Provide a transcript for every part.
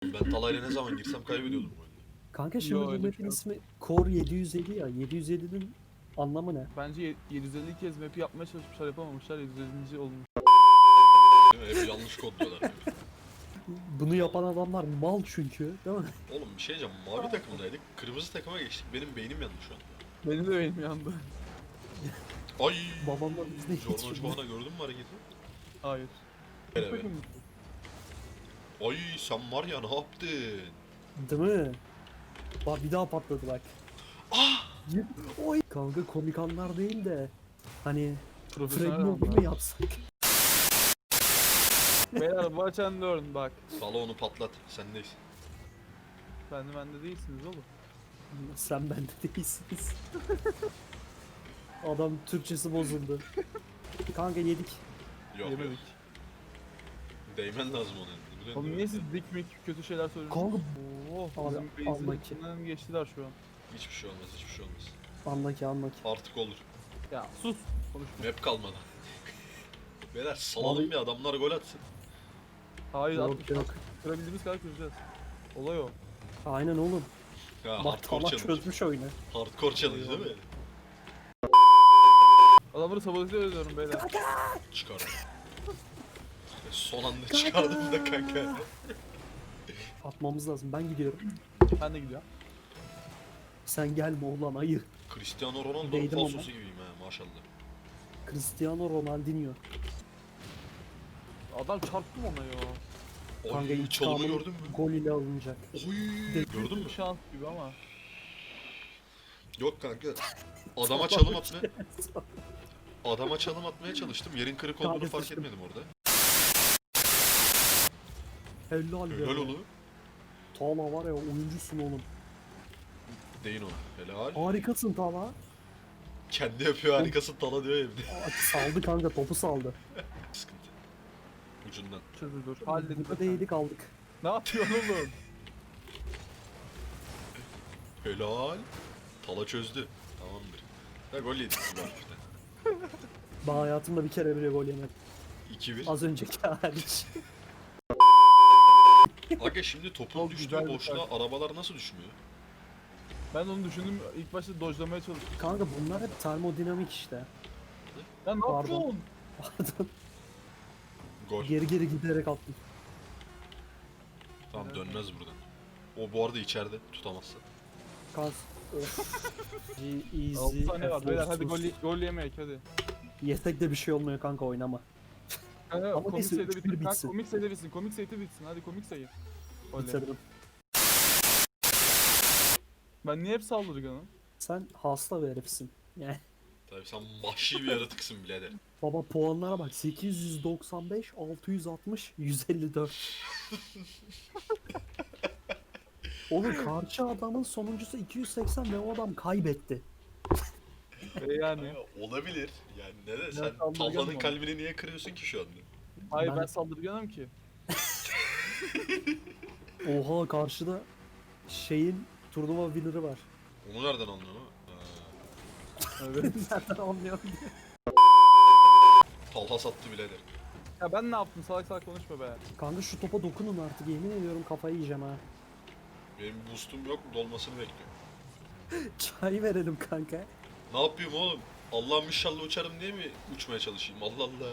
Oğlum ben Talay'la ne zaman girsem kaybediyordum bu oyunda. Kanka şimdi Yo, bu öyle bir map'in şey yok. ismi Core 750 ya. 750'nin anlamı ne? Bence 750 kez map'i yapmaya çalışmışlar, yapamamışlar. 750. olmuş. Değil mi? Hep yanlış kodluyorlar yani. Bunu yapan adamlar mal çünkü, değil mi? Oğlum bir şey diyeceğim. Mavi takımdaydık. Kırmızı takıma geçtik. Benim beynim yandı şu an. Benim de benim yandı. Ay. Babamla biz de Jordan hiç Çubuğuna gördün mü hareketi? Hayır. Evet. Bakın. Ay sen var ya ne yaptın? Değil mi? Bak bir daha patladı bak. Ah! Oy. Kanka komik anlar değil de hani Profesyonel fragman anlar. mı yapsak? Beyler watch and learn bak. Salonu patlat. Sendeyiz. Bende değilsiniz oğlum. Sen bende değilsiniz. Adam Türkçesi bozuldu. Kanka yedik. Yok yok. Yemedik. Değmen lazım ona. Biliyorsun Oğlum değil niye mi? siz dik mik kötü şeyler söylüyorsunuz? Kanka Oo, Abi, bizim base'in almak. içinden geçtiler şu an. Hiçbir şey olmaz, hiçbir şey olmaz. anlaki. Artık olur. Ya sus. Konuşma. Map kalmadı. Beyler salalım Abi- bir adamlar gol atsın. Hayır Yok, atmış. yok. Kırabildiğimiz kadar kıracağız. Olay o. Aynen oğlum. Ha, Bak hardcore Tala challenge. çözmüş oyunu. Hardcore challenge değil mi? Adamları sabote ediyorum beyler. Çıkardım. Son anda çıkardım da kanka. Atmamız lazım. Ben gidiyorum. Ben de gidiyorum. Sen gelme ulan ayı. Cristiano Ronaldo'nun Değdim ama. falsosu gibiyim ha maşallah. Cristiano Ronaldinho. Adam çarptım ona ya. Kanka Oy çalımı intikamını gördün mü? gol ile alınacak. Oy gördün mü? Bir şans gibi ama. Yok kanka. Adama çalım atmaya... Adama çalım atmaya çalıştım. Yerin kırık olduğunu Kanka fark sıçtım. etmedim orada. Helal be. Helal oğlum. Tala var ya oyuncusun oğlum. Deyin ona. Helal. Harikasın Tala. Kendi yapıyor harikasın Tala diyor evde. Aa, saldı kanka topu saldı. Sıkıntı. Ucundan. Çözülür. Halledin. Burada da yedik aldık. Ne yapıyorsun oğlum? Helal. Tala çözdü. Tamamdır. Ha gol yedik bu hafifte. Ben hayatımda bir kere bile gol yemedim. 2-1. Az önceki hariç. Aga şimdi topun Çok düştüğü güzel bir boşluğa arabalar nasıl düşmüyor? Ben onu düşündüm. İlk başta dodge'lamaya çalıştım. Kanka bunlar hep termodinamik işte. Ya ne Pardon. yapıyorsun? Pardon. Gol. Geri giderek attım. Tamam dönmez buradan. O bu arada içeride tutamazsa. Kaz. Of. Easy. 6 saniye var beyler, hadi effortsuz. gol yemeyelim hadi. Yesek de bir şey olmuyor kanka oynama. Kanka, Ama komik neyse, sayıda 3-1 bitir. Kanka, bitsin. komik sayıda bitsin. Komik sayıda bitsin. Hadi komik sayı. Oley. Bitirdim. Ben niye hep saldırganım? Sen hasta bir herifsin. Yani Tabii sen vahşi bir yaratıksın birader. baba puanlara bak 895, 660, 154. Oğlum karşı adamın sonuncusu 280 ve o adam kaybetti. Yani. Ha, olabilir. Yani neden? Sen saldırganım Talha'nın ama. kalbini niye kırıyorsun ki şu anda? Hayır Ben- ben saldırganım ki. Oha karşıda şeyin turnuva winner'ı var. Onu nereden anlıyorsun? Ha. Evet. Nereden anlıyorum diye. Talha sattı birader. Ya ben ne yaptım? Salak salak konuşma be. Kanka şu topa dokunun artık yemin ediyorum kafayı yiyeceğim ha. Benim boostum yok, dolmasını bekliyorum. Çay verelim kanka. Ne yapayım oğlum? Allah'ım inşallah uçarım diye mi uçmaya çalışayım? Allah Allah.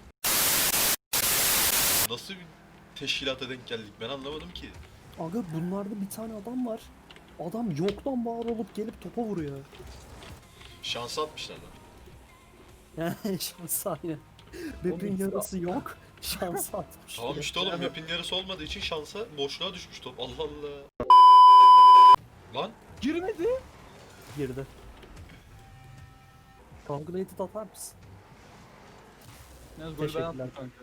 Nasıl bir teşkilata denk geldik ben anlamadım ki. Aga bunlarda bir tane adam var. Adam yoktan var olup gelip topa vuruyor. Şansı atmışlar lan. Yani şans aynen. Map'in Oğlum, yarısı yok. Şans atmış. Tamam işte oğlum map'in yarısı olmadığı için şansa boşluğa düşmüş top. Allah Allah. Lan Girmedi. Girdi. Calculated atar mısın? Yalnız golü ben Teşekkürler. attım kanka.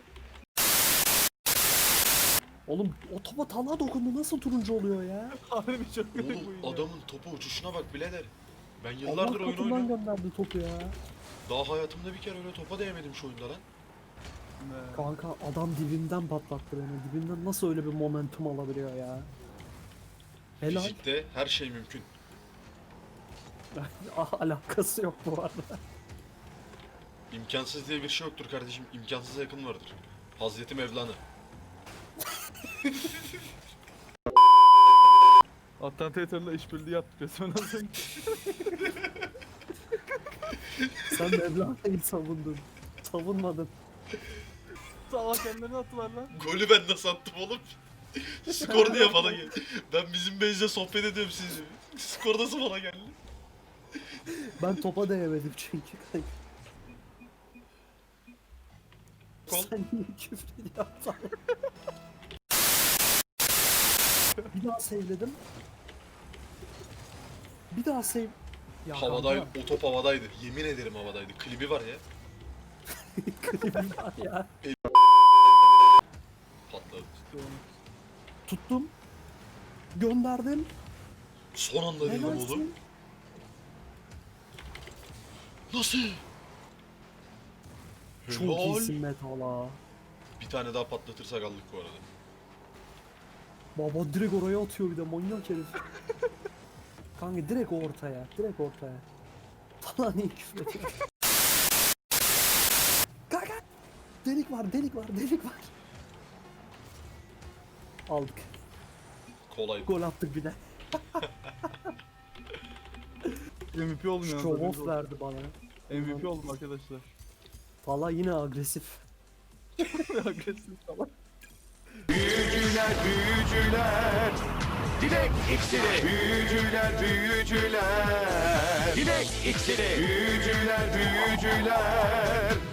Oğlum o topa Talha dokundu nasıl turuncu oluyor ya? Harbi çok kötü bu oğlum oyun ya. adamın topu uçuşuna bak birader. Ben Allah yıllardır oyun katından oynuyorum. gönderdi topu ya. Daha hayatımda bir kere öyle topa değmedim şu oyunda lan. Ne? Kanka adam dibimden patlattı beni. Dibimden nasıl öyle bir momentum alabiliyor ya? Helal. Fizikte her şey mümkün. Alakası yok bu arada. İmkansız diye bir şey yoktur kardeşim. İmkansıza yakın vardır. Hazreti Mevlana. Attentatörle işbirliği yaptık resmen az önce. Sen Mevlana'yı savundun. Savunmadın. Salak kendilerini attılar lan. Golü ben nasıl attım oğlum? Skor diye bana geldi. Ben bizim benizle sohbet ediyorum sizinle. Skor nasıl bana geldi? Ben topa değemedim çünkü. Kol. Sen niye küfür yaptın? Bir daha sevledim. Bir daha sev... Ya Havadaydı, kanka, o top havadaydı. Yemin ederim havadaydı. Klibi var ya. klibim var ya. Patladı. Tuttum. Gönderdim. Son anda dedim oğlum. Helalsin. Nasıl? Çok Helal. iyisin Metala. Bir tane daha patlatırsak aldık bu arada. Baba direkt oraya atıyor bir de manyak herif. Kanka direkt ortaya. Direkt ortaya. Falan iyi küfür ediyor. Kanka. Delik var, delik var, delik var. Aldık. Kolay. Gol attık bir de. MVP oldum yalnız. Show haberiniz off olsun. verdi bana. MVP oldum arkadaşlar. Valla yine agresif. Agresif falan. Büyücüler, büyücüler. Dilek iksiri. Büyücüler, büyücüler. Dilek iksiri. Büyücüler, büyücüler.